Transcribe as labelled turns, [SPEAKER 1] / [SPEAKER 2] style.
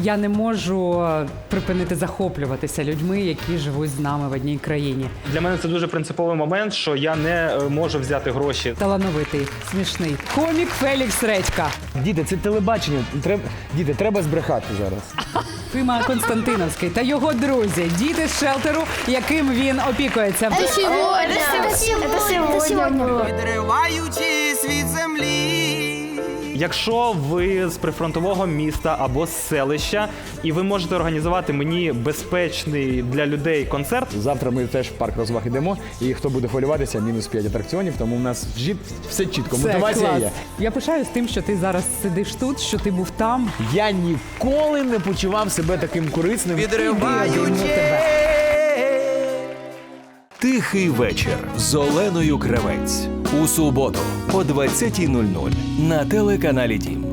[SPEAKER 1] Я не можу припинити захоплюватися людьми, які живуть з нами в одній країні.
[SPEAKER 2] Для мене це дуже принциповий момент, що я не можу взяти гроші.
[SPEAKER 1] Талановитий, смішний. Комік Фелікс Редька.
[SPEAKER 3] Діти, це телебачення. Діти, треба збрехати зараз.
[SPEAKER 1] Фима Константиновський та його друзі. Діти з шелтеру, яким він опікується.
[SPEAKER 4] Відриваючись від землі.
[SPEAKER 2] Якщо ви з прифронтового міста або з селища, і ви можете організувати мені безпечний для людей концерт,
[SPEAKER 3] Завтра ми теж в парк розваг йдемо, і хто буде хвилюватися, мінус 5 атракціонів, тому в нас все чітко,
[SPEAKER 1] Це
[SPEAKER 3] мотивація
[SPEAKER 1] клас.
[SPEAKER 3] є.
[SPEAKER 1] Я пишаюсь тим, що ти зараз сидиш тут, що ти був там.
[SPEAKER 3] Я ніколи не почував себе таким корисним.
[SPEAKER 5] Тихий вечір з Оленою Кравець. У суботу о 20:00 на телеканалі Дім.